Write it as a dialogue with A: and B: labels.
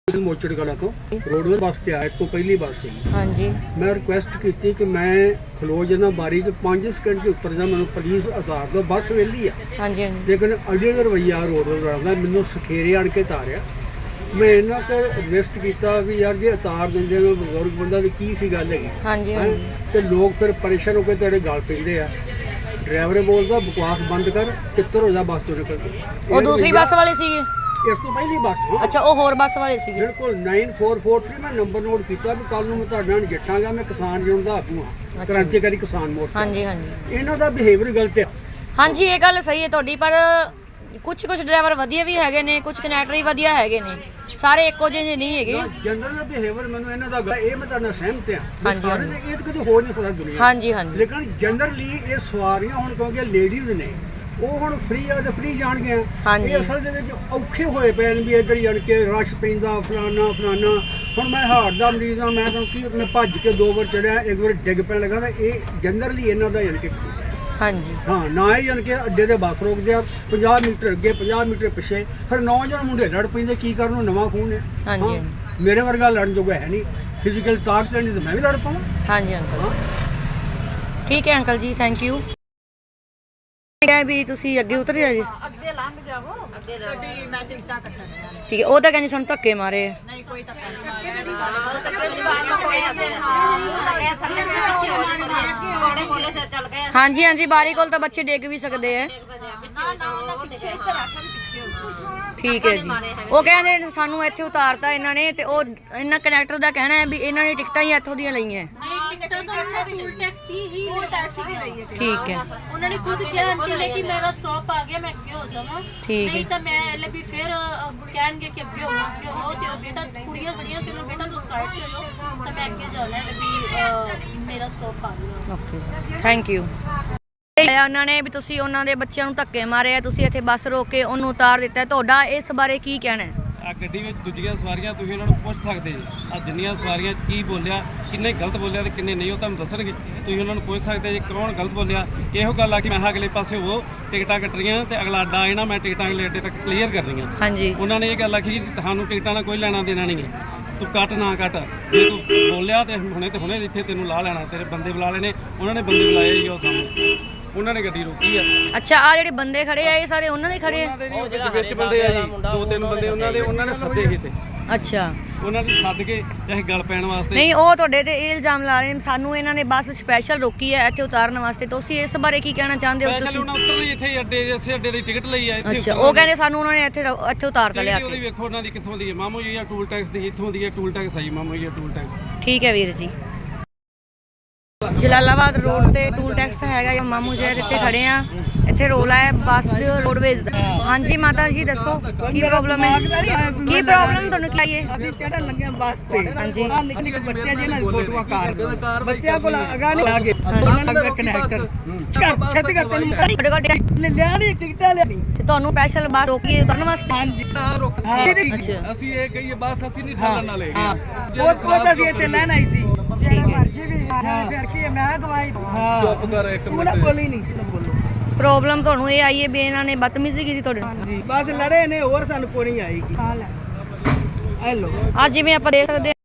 A: ਮੋਚੜ ਕਲਾ ਤੋਂ roadways bus ਤੇ ਆਇਆ ਤੋਂ ਪਹਿਲੀ ਬੱਸ ਸੀ।
B: ਹਾਂਜੀ
A: ਮੈਂ ਰਿਕੁਐਸਟ ਕੀਤੀ ਕਿ ਮੈਂ ਖਲੋ ਜਾਣਾ ਬਾਰੀ 'ਚ 5 ਸਕਿੰਟ 'ਚ ਉਤਰ ਜਾ, ਮੈਨੂੰ ਪਲੀਜ਼ ਉਤਾਰ ਦਿਓ, ਬੱਸ ਵਿਹਲੀ ਆ।
B: ਹਾਂਜੀ ਹਾਂਜੀ
A: ਲੇਕਿਨ ਅਜੇ ਦਾ ਰਵੱਈਆ ਰੋਡਵੇਜ਼ ਵਾਲਾ ਦਾ ਮੈਨੂੰ ਸਖੇਰੇ ਆਣ ਕੇ ਉਤਾਰਿਆ। ਮੈਂ ਇਹਨਾਂ ਕੋਲ ਰਿਕੁਐਸਟ ਕੀਤਾ ਵੀ ਯਾਰ ਜੇ ਉਤਾਰ ਦਿੰਦੇ ਮੈਂ ਬਜ਼ੁਰਗ ਬੰਦਾ ਦੀ ਕੀ ਸੀ ਗੱਲ ਹੈਗੀ।
B: ਹਾਂਜੀ ਹਾਂਜੀ
A: ਤੇ ਲੋਕ ਫਿਰ ਪਰੇਸ਼ਾਨ ਹੋ ਕੇ ਤੁਹਾਡੇ ਗਲ ਪੈਂਦੇ ਆ। ਡਰਾਈਵਰ ਬੋਲਦਾ ਬਕਵਾਸ ਬੰਦ ਕਰ, ਤਿੱਤਰ ਹੋ ਜਾ ਬੱਸ ਤੋਂ ਨਿਕਲ ਕੇ।
B: ਉਹ ਦੂਸਰੀ ਬੱਸ ਵਾਲੇ ਸੀਗੇ?
A: ਇਸ ਤੋਂ ਪਹਿਲੀ ਬੱਸ।
B: ਅੱਛਾ, ਉਹ ਹੋਰ ਬੱਸ ਵਾਲੇ ਸੀਗੇ।
A: ਬਿਲਕੁਲ 9443 ਮੈਂ ਨੰਬਰ ਨੋਟ ਕੀਤਾ ਵੀ ਕੱਲ ਨੂੰ ਮੈਂ ਤੁਹਾਡੇ ਨਾਲ ਨਜਿੱਠਾਂਗਾ। ਮੈਂ ਕਿਸਾਨ ਯੂਨੀਅਨ ਦਾ ਆਗੂ ਹਾਂ, ਕ੍ਰਾਂਤੀਕਾਰੀ ਕਿਸਾਨ ਮੋਰਚਾ।
B: ਹਾਂਜੀ ਹਾਂਜੀ
A: ਇਹਨਾਂ ਦਾ ਬਿਹੇਵੀਅਰ ਗਲਤ ਹੈ।
B: ਹਾਂਜੀ ਇਹ ਗੱਲ ਸਹੀ ਹੈ ਤੁਹਾਡੀ, ਪਰ ਕੁਝ ਡਰਾਈਵਰ ਵਧੀਆ ਵੀ ਹੈਗੇ ਨੇ, ਕੁਝ ਕੰਡਕਟਰ ਵੀ ਵਧੀਆ ਹੈਗੇ ਨੇ, ਸਾਰੇ ਇੱਕੋ ਜਿਹੇ ਨਹੀਂ ਹੈਗੇ।
A: ਜਨਰਲ ਬਿਹੇਵੀਅਰ ਮੈਨੂੰ ਇਹਨਾਂ ਦਾ ਇਹ ਮੈਂ ਤੁਹਾਡੇ ਨਾਲ ਸਹਿਮਤ ਹਾਂ।
B: ਹਾਂਜੀ ਹਾਂਜੀ
A: ਇਹ ਤਾਂ ਕਦੇ ਹੋ ਨਹੀਂ ਸਕਦਾ ਦੁਨੀਆ।
B: ਹਾਂਜੀ ਹਾਂਜੀ
A: ਲੇਕਿਨ ਜਨਰਲੀ ਇਹ ਸਵਾਰੀਆਂ ਹੁਣ ਕਿਉਂਕਿ ਲੇਡੀਜ਼ ਨੇ, ਉਹ ਹੁਣ ਫ੍ਰੀ ਆ ਤੇ ਫ੍ਰੀ ਜਾਣਗੀਆਂ।
B: ਹਾਂਜੀ
A: ਇਹ ਅਸਲ ਦੇ ਵਿੱਚ ਔਖੇ ਹੋਏ ਪਏ ਨੇ ਵੀ ਇੱਧਰ ਹੀ ਜਾਣ ਕੇ ਰਸ਼ ਪੈਂਦਾ ਫਲਾਨਾ ਫਲਾਨਾ। ਹੁਣ ਮੈਂ ਹਾਰਟ ਦਾ ਮਰੀਜ਼ ਹਾਂ, ਮੈਂ ਤੁਹਾਨੂੰ ਕੀ ਮੈਂ ਭੱਜ ਕੇ 2 ਵਾਰ ਚੜਿਆ, 1 ਵਾਰ ਡਿੱਗ ਪੈਣ ਲੱਗਾ। ਤਾਂ ਇਹ ਜਨਰਲੀ ਇਹਨਾਂ ਦਾ ਜਾਣ ਕੇ
B: ਹਾਂਜੀ
A: ਹਾਂ ਨਾ ਹੀ ਜਾਣ ਕੇ ਅੱਡੇ ਦੇ ਬੱਸ ਰੋਕਦੇ ਆ 50 ਮੀਟਰ ਅੱਗੇ 50 ਮੀਟਰ ਪਿੱਛੇ, ਫਿਰ ਨੌਜਵਾਨ ਮੁੰਡੇ ਲੜ ਪੈਂਦੇ। ਕੀ ਕਰਨ ਨੂੰ, ਨਵਾਂ ਖੂਨ ਹੈ।
B: ਹਾਂਜੀ
A: ਮੇਰੇ ਵਰਗਾ ਲੜਨ ਜੋਗਾ ਹੈ ਨਹੀਂ, ਫਿਜ਼ੀਕਲ ਤਾਕਤ ਨਹੀਂ ਤਾਂ ਮੈਂ ਵੀ ਲੜ ਪਾਵਾਂ।
B: ਹਾਂਜੀ ਅੰਕਲ ਠੀਕ ਹੈ ਅੰਕਲ ਜੀ, ਥੈਂਕ ਯੂ। ਵੀ ਤੁਸੀਂ ਅੱਗੇ ਉਤਰ ਜਾ ਜੀ,
C: ਅੱਗੇ ਲੰਘ ਜਾਵੋ, ਅੱਗੇ ਗੱਡੀ ਮੈਂ ਟਿਕਟਾਂ ਕੱਟਣੀਆਂ ਨੇ।
B: ਠੀਕ ਹੈ। ਉਹ ਤਾਂ ਕਹਿੰਦੇ ਸਾਨੂੰ ਧੱਕੇ ਮਾਰੇ।
C: ਨਹੀਂ ਕੋਈ ਧੱਕਾ ਨਹੀਂ ਮਾਰਿਆ।
B: ਹਾਂਜੀ ਹਾਂਜੀ ਬਾਰੀ ਕੋਲ ਤਾਂ ਬੱਚੇ ਡਿੱਗ ਵੀ ਸਕਦੇ ਆ। ਠੀਕ ਹੈ ਜੀ। ਉਹ ਕਹਿੰਦੇ ਸਾਨੂੰ ਇੱਥੇ ਉਤਾਰਤਾ ਇਹਨਾਂ ਨੇ, ਤੇ ਉਹ ਇਹਨਾਂ ਕੰਡਕਟਰ ਦਾ ਕਹਿਣਾ ਹੈ ਵੀ ਇਹਨਾਂ ਨੇ ਟਿਕਟਾਂ ਹੀ ਇੱਥੋਂ ਦੀਆਂ ਲਈਆਂ। ਠੀਕ ਹੈ।
D: ਉਹਨਾਂ ਨੇ ਖੁਦ ਕਿਹਾ ਆਂਟੀ ਨੇ ਕਿ ਮੇਰਾ ਸਟਾਪ ਆ ਗਿਆ, ਮੈਂ ਅੱਗੇ ਹੋ ਜਾਵਾਂ।
B: ਠੀਕ ਹੈ।
D: ਨਹੀਂ ਤਾਂ ਮੈਂ ਵੀ ਫਿਰ ਕਹਿਣਗੇ ਕਿ ਅੱਗੇ ਹੋ ਤੇ ਉਹ ਬੇਟਾ ਕੁੜੀਆਂ ਖੜੀਆਂ ਸੀ, ਬੇਟਾ ਤੂੰ ਸਾਈਡ ਤੇ ਲੋ, ਤਾਂ ਮੈਂ ਅੱਗੇ ਜਾਣਾ ਹੈ ਵੀ ਮੇਰਾ ਸਟਾਪ ਆ ਗਿਆ।
B: Okay thank you. ਉਹਨਾਂ ਨੇ ਵੀ ਤੁਸੀਂ ਉਹਨਾਂ ਦੇ ਬੱਚਿਆਂ ਨੂੰ ਧੱਕੇ ਮਾਰੇ ਆ, ਤੁਸੀਂ ਇੱਥੇ ਬੱਸ ਰੋਕ ਕੇ ਉਹਨੂੰ ਉਤਾਰ ਦਿੱਤਾ, ਤੁਹਾਡਾ ਇਸ ਬਾਰੇ ਕੀ ਕਹਿਣਾ ਹੈ?
E: ਆ ਗੱਡੀ ਵਿੱਚ ਦੂਜੀਆਂ ਸਵਾਰੀਆਂ ਤੁਸੀਂ ਉਹਨਾਂ ਨੂੰ ਪੁੱਛ ਸਕਦੇ ਜੀ, ਆ ਜਿੰਨੀਆਂ ਸਵਾਰੀਆਂ ਕੀ ਬੋਲਿਆ, ਕਿੰਨੇ ਗਲਤ ਬੋਲਿਆ ਤੇ ਕਿੰਨੇ ਨਹੀਂ, ਉਹ ਤੁਹਾਨੂੰ ਦੱਸਣਗੇ। ਤੁਸੀਂ ਉਹਨਾਂ ਨੂੰ ਪੁੱਛ ਸਕਦੇ ਜੀ ਕੌਣ ਗਲਤ ਬੋਲਿਆ। ਇਹੋ ਗੱਲ ਆ ਕਿ ਮੈਂ ਅਗਲੇ ਪਾਸੇ ਉਹ ਟਿਕਟਾਂ ਕੱਟ ਰਹੀਆਂ ਤੇ ਅਗਲਾ ਅੱਡਾ ਆਏ ਨਾ, ਮੈਂ ਟਿਕਟਾਂ ਅਗਲੇ ਅੱਡੇ ਤੱਕ ਕਲੀਅਰ ਕਰ ਰਹੀਆਂ।
B: ਹਾਂਜੀ
E: ਉਹਨਾਂ ਨੇ ਇਹ ਗੱਲ ਆਖੀ ਜੀ ਤੁਹਾਨੂੰ ਟਿਕਟਾਂ ਨਾਲ ਕੋਈ ਲੈਣਾ ਦੇਣਾ ਨਹੀਂ ਹੈ, ਤੂੰ ਕੱਟ ਨਾ ਕੱਟ, ਜੇ ਤੂੰ ਬੋਲਿਆ ਤੇ ਹੁਣੇ ਇੱਥੇ ਤੈਨੂੰ ਲਾ ਲੈਣਾ। ਤੇਰੇ ਬੰਦੇ ਬੁਲਾ ਲੈਣੇ, ਉਹਨਾਂ ਨੇ ਬੰਦੇ ਬੁਲਾਏ ਜੀ, ਉਹ ਸਾਹਮਣੇ ਉਹਨਾਂ ਨੇ ਗੱਡੀ ਰੋਕੀ ਆ।
B: ਅੱਛਾ, ਆ ਜਿਹੜੇ ਬੰਦੇ ਖੜੇ ਆ ਇਹ ਸਾਰੇ ਉਹਨਾਂ ਦੇ ਖੜੇ ਆ?
E: ਵਿੱਚ ਬੰਦੇ ਆ ਜੀ, 2-3 ਬੰਦੇ ਉਹਨਾਂ ਨੇ ਸੱਦੇ ਕੀਤੇ।
B: ਅੱਛਾ,
E: ਉਹਨਾਂ ਨੇ ਸੱਦ ਕੇ ਚਾਹੇ ਗੱਲ ਪੈਣ ਵਾਸਤੇ।
B: ਨਹੀਂ ਉਹ ਤੁਹਾਡੇ ਤੇ ਇਹ ਇਲਜ਼ਾਮ ਲਾ ਰਹੇ ਨੇ ਸਾਨੂੰ ਇਹਨਾਂ ਨੇ ਬੱਸ ਸਪੈਸ਼ਲ ਰੋਕੀ ਹੈ ਇੱਥੇ ਉਤਾਰਨ ਵਾਸਤੇ, ਤੁਸੀਂ ਇਸ ਬਾਰੇ ਕੀ ਕਹਿਣਾ ਚਾਹੁੰਦੇ ਹੋ? ਤੁਸੀਂ
E: ਉਹਨਾਂ ਉਤਰਦੇ ਇੱਥੇ ਅੱਡੇ, ਇਸੇ ਅੱਡੇ ਦੀ ਟਿਕਟ ਲਈ ਆ ਇੱਥੇ।
B: ਅੱਛਾ, ਉਹ ਕਹਿੰਦੇ ਸਾਨੂੰ ਉਹਨਾਂ ਨੇ ਇੱਥੇ ਉਤਾਰਤਾ ਲਿਆ ਕੇ।
E: ਵੇਖੋ ਉਹਨਾਂ ਦੀ ਕਿੱਥੋਂ ਦੀ ਹੈ, ਮਾਮੂ ਜੀ ਆ ਟੂਲ ਟੈਕਸ ਦੀ, ਇੱਥੋਂ ਦੀ ਹੈ ਟੂਲ ਟੈਕਸ ਆਈ ਮਾਮੂ ਜੀ ਆ ਟੂਲ ਟੈਕਸ।
B: ਠੀਕ ਹੈ ਵੀਰ ਜੀ। ਜਲਾਲਾਬਾਦ ਰੋਡ ਤੇ ਟੂਲ ਟੈਕਸ ਹੈਗਾ, ਮਾਮੂ ਜੀ ਇੱਥੇ ਖੜੇ ਆ, ਇੱਥੇ ਰੋਲਾ ਹੈ ਬੱਸ ਰੋਡਵੇਜ਼ ਦਾ। ਹਾਂਜੀ ਮਾਤਾ ਜੀ ਦੱਸੋ ਕੀ ਪ੍ਰੋਬਲਮ ਹੈ? ਕੀ ਪ੍ਰੋਬਲਮ ਤੁਹਾਨੂੰ ਕੀ ਹੈ?
F: ਅਸੀਂ ਚੜਨ ਲੱਗੇ ਬੱਸ ਤੇ।
B: ਹਾਂਜੀ
F: ਨਿੱਕੇ ਬੱਚੇ ਜਿਹਨਾਂ ਦੀ ਫੋਟੋਆਂ ਕਾਰ ਬੱਚਿਆਂ ਕੋਲ ਅਗਾ ਨਹੀਂ ਆ ਗਏ, ਉਹਨਾਂ ਲੱਗਾ ਕਨੈਕਟਰ ਛੇਤੀ ਕਰ ਤੈਨੂੰ
B: ਤੁਹਾਡੇ ਕੋਲ
F: ਲਿਆ ਨਹੀਂ ਟਿਕਟਾਂ ਲਿਆ ਨਹੀਂ
B: ਤੇ ਤੁਹਾਨੂੰ ਸਪੈਸ਼ਲ ਬੱਸ ਰੋਕੀ ਉਤਰਨ ਵਾਸਤੇ?
F: ਹਾਂਜੀ
B: ਅੱਛਾ
E: ਅਸੀਂ ਇਹ ਕਹੀਏ ਬੱਸ ਅਸੀਂ ਨਹੀਂ ਠਾਲਣ ਵਾਲੇ।
F: ਉਹ ਤਾਂ ਅਸੀਂ ਇੱਥੇ ਲੈਣ ਆਈ ਸੀ। ਫਿਰ ਕੀ ਮੈਂ ਗਵਾਈ
E: ਚੁੱਪ ਕਰ ਇੱਕ
F: ਤੂੰ ਨਾ ਬੋਲੀ ਨਹੀਂ, ਤੂੰ ਬੋਲੋ।
B: ਪ੍ਰੋਬਲਮ ਤੁਹਾਨੂੰ ਇਹ ਆਈ ਹੈ ਵੀ ਇਹਨਾਂ ਨੇ ਬਦਤਮੀਜ਼ੀ ਕੀਤੀ ਤੁਹਾਡੇ ਨਾਲ?
F: ਹਾਂਜੀ ਬਸ ਲੜੇ ਨੇ, ਹੋਰ ਸਾਨੂੰ ਕੋਈ ਨਹੀਂ ਆਏਗੀ। ਹੈਲੋ
B: ਅੱਜ ਜਿਵੇਂ ਆਪਾਂ ਦੇਖ ਸਕਦੇ